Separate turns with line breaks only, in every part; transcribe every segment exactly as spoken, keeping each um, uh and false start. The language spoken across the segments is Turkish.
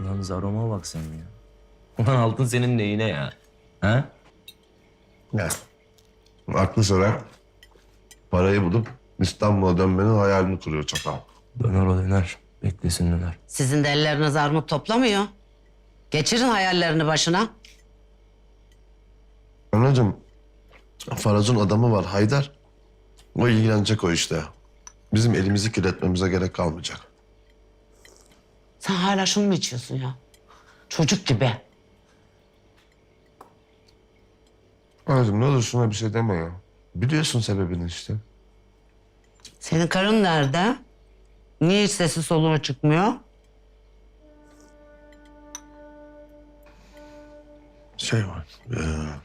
Ulan Zarom'a bak sen ya. Ulan altın senin neyine ya? Ha?
Ya. Aklı sıra parayı bulup İstanbul'a dönmenin hayalini kuruyor çakal.
Döner o döner. Beklesin döner.
Sizin de elleriniz armut toplamıyor. Geçirin hayallerini başına.
Anacığım, Faraz'ın adamı var Haydar. O ilgilenecek o işte. Bizim elimizi kirletmemize gerek kalmayacak.
Sen hala şunu mu içiyorsun ya? Çocuk gibi.
Anacığım ne olur şuna bir şey deme ya. Biliyorsun sebebini işte.
Senin karın nerede? Niye hiç sesi soluğu çıkmıyor?
Şey var. Ee,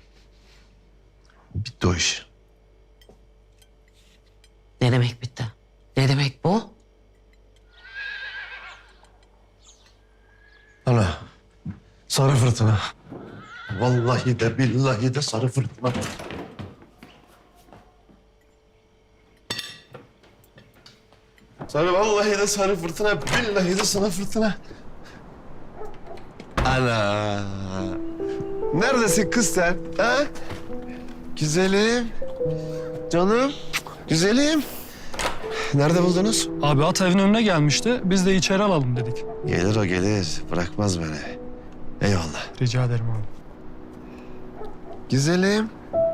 bitti o iş.
Ne demek bitti? Ne demek bu?
Ana. Sarı fırtına. Vallahi de billahi de sarı fırtına. Sarı vallahi de sarı fırtına, billahi de sana fırtına. Ana. Neredesin kız sen? Ha? Güzelim. Canım. Güzelim. Nerede buldunuz?
Abi at evin önüne gelmişti. Biz de içeri alalım dedik.
Gelir o gelir. Bırakmaz beni. Eyvallah.
Rica ederim abi.
Güzelim.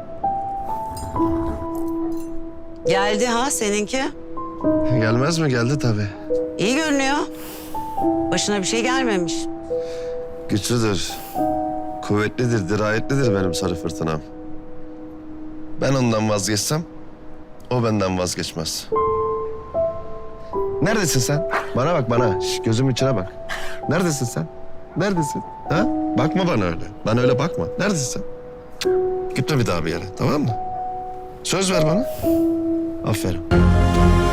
Geldi ha seninki.
Gelmez mi? Geldi tabii.
İyi görünüyor. Başına bir şey gelmemiş.
Güçlüdür. Kuvvetlidir, dirayetlidir benim sarı fırtınam. Ben ondan vazgeçsem, o benden vazgeçmez. Neredesin sen? Bana bak bana. Şş, gözümün içine bak. Neredesin sen? Neredesin? Ha? Bakma bana öyle. Bana öyle bakma. Neredesin sen? Cık. Gitme bir daha bir yere, tamam mı? Söz ver bana. Aferin.